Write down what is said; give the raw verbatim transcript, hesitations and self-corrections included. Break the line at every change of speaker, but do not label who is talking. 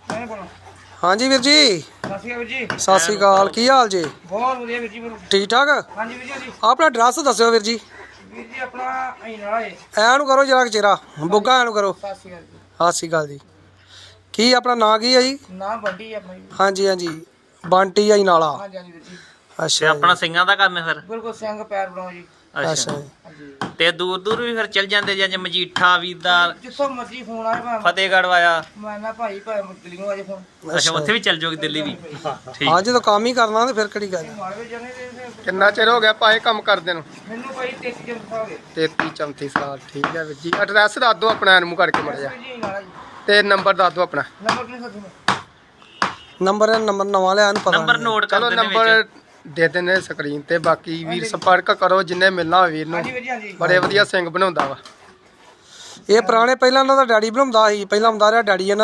ਹਾਂਜੀ ਵੀਰ ਜੀ,
ਸਤਿ ਸ਼੍ਰੀ ਅਕਾਲ ਵੀਰ ਜੀ।
ਸਤਿ ਸ਼੍ਰੀ ਅਕਾਲ। ਕੀ ਹਾਲ ਜੀ?
ਬਹੁਤ ਵਧੀਆ ਵੀਰ ਜੀ।
ਠੀਕ ਠਾਕ?
ਹਾਂਜੀ ਵੀਰ ਜੀ।
ਆਪਣਾ ਐਡਰੈਸ ਦੱਸਿਓ ਵੀਰ ਜੀ।
ਵੀਰ ਜੀ ਆਪਣਾ ਅਈਨਾਲਾ ਏ।
ਐ ਨੂੰ ਕਰੋ ਜਰਾ ਚਿਹਰਾ ਬੁੱਗਾ, ਐ ਨੂੰ ਕਰੋ।
ਸਤਿ ਸ਼੍ਰੀ ਅਕਾਲ ਜੀ।
ਸਤਿ ਸ਼੍ਰੀ ਅਕਾਲ ਜੀ। ਕੀ ਆਪਣਾ ਨਾਂ ਕੀ ਹੈ ਜੀ?
ਨਾ ਬੰਟੀ ਆਪਣਾ ਜੀ।
ਹਾਂਜੀ ਹਾਂਜੀ, ਬੰਟੀ ਆਈ ਨਾਲਾ।
ਹਾਂਜੀ ਹਾਂਜੀ ਵੀਰ ਜੀ।
ਤੇ
ਅੱਛਾ
ਆਪਣਾ
ਜੀ,
ਸਿੰਘਾਂ ਦਾ ਕੰਮ ਹੈ ਫਿਰ?
ਬਿਲਕੁਲ ਸਿੰਘ ਪੈਰ ਬਣਾਓ ਜੀ।
ਅੱਛਾ
ਅੱਛਾ ਜੀ।
ਹਾਂਜੀ।
ਤੇ ਦੂਰ ਦੂਰ ਵੀ ਫਿਰ ਚੱਲ ਜਾਂਦੇ ਜਾਂ ਮਜੀਠਾ ਵੀਰਦਾਰ
ਜਿੱਥੋਂ ਮਰਜ਼ੀ ਫੋਨ ਆਏ ਭਾਵੇਂ
ਫਤਿਹਗੜ੍ਹ ਵਾਇਆ?
ਮੈਂ ਨਾ ਭਾਈ ਭਾਵੇਂ ਦਿੱਲੀੋਂ ਆਜੇ ਫੋਨ।
ਅੱਛਾ, ਉੱਥੇ ਵੀ
ਜੀ।
ਚੱਲ ਜਾਓਗੇ ਦਿੱਲੀ ਵੀ? ਠੀਕ
ਹਾਂ ਜਦੋਂ ਕੰਮ ਹੀ ਕਰਨਾ ਤੇ ਫਿਰ ਕਿਹੜੀ ਗੱਲ।
ਮਾਲਵੇ ਜਾਣੇ ਤੇ
ਕਿੰਨਾ ਚਿਰ ਹੋ ਗਿਆ ਭਾਈ ਕੰਮ ਕਰਦੇ ਨੂੰ?
ਮੈਨੂੰ ਭਾਈ ਤੇਤੀ ਜਨ ਹੋ ਗਏ।
ਤੇਤੀ ਚੌਂਤੀ ਸਾਲ। ਠੀਕ ਹੈ ਵੀਰ ਜੀ। ਐਡਰੈਸ ਦੱਸ ਦਿਓ ਆਪਣਾ, ਐਨ ਮੂੰਹ ਕਰਕੇ ਮੜ ਜਾ।
ਜੀ ਅਈਨਾਲਾ ਜੀ।
ਤੇ ਨੰਬਰ ਦੱਸ ਦਿਓ ਆਪਣਾ।
ਨੰਬਰ ਕਿੰਨੇ ਸੱਤ ਨੂੰ?
ਨੰਬਰ ਨੰਬਰ ਨਵਾਂ ਲਿਆ ਇਹਨੂੰ ਪਤਾ
ਨੰਬਰ
ਨਹੀਂ।
ਨੋਟ ਕਰ
ਚਲੋ
ਦਿੰਦੇ
ਨੰਬਰ
ਵਿੱਚ।
ਦੇ ਦਿੰਦੇ ਸਕਰੀਨ ਤੇ, ਬਾਕੀ ਵੀਰ ਸੰਪਰਕ ਕਰੋ ਜਿੰਨੇ ਮਿਲਣਾ ਹੋਵੇ ਵੀਰ ਨੂੰ।
ਹਾਂਜੀ ਵੀਰ ਜੀ। ਹਾਂਜੀ।
ਬੜੇ ਵਧੀਆ ਸਿੰਘ ਬਣਾਉਂਦਾ ਵਾ।
ਇਹ ਪੁਰਾਣੇ ਪਹਿਲਾਂ ਇਹਨਾਂ ਦਾ ਡੈਡੀ ਬਣਾਉਂਦਾ ਸੀ, ਪਹਿਲਾਂ ਹੁੰਦਾ ਰਿਹਾ ਡੈਡੀ ਇਹਨਾਂ